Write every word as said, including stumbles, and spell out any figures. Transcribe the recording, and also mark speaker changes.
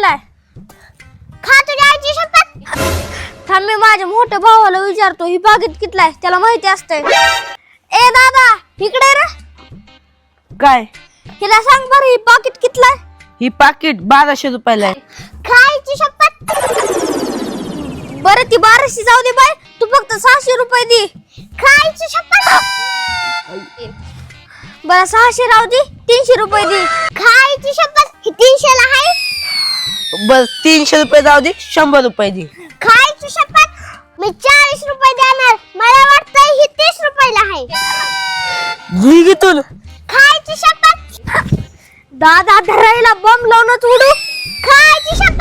Speaker 1: केलाय?
Speaker 2: खा तुझ्या आईची शपथ.
Speaker 1: थांब मी माझ्या मोठ्या भावाला विचारतो ही पाकिट कितलाय, त्याला माहिती असतंय. ए दादा इकडे रे.
Speaker 3: काय?
Speaker 1: हिला सांग बरं ही पाकिट कितलाय?
Speaker 3: ही पाकिट बाराशे रुपयाला आहे.
Speaker 2: खायची शपथ.
Speaker 1: बरं ती बाराशे जाऊ दे बाय, तू फक्त सहाशे रुपये दे.
Speaker 2: खायची शपथ.
Speaker 1: बरं सहाशे राहू दे, तीनशे रुपये दे.
Speaker 2: खायची शपथ. ही तीनशेला आहे.
Speaker 3: बर तीनशे रुपये जाऊ दे, शंभर रुपये दे.
Speaker 2: खायची शपथ. मी चाळीस रुपये देणार. मला वाटतं ही तीस रुपयाला आहे.
Speaker 3: निघितून
Speaker 2: खायची शपथ.
Speaker 1: दादा धरायला बॉम्ब लावूनच उडू.
Speaker 2: खायची शपथ.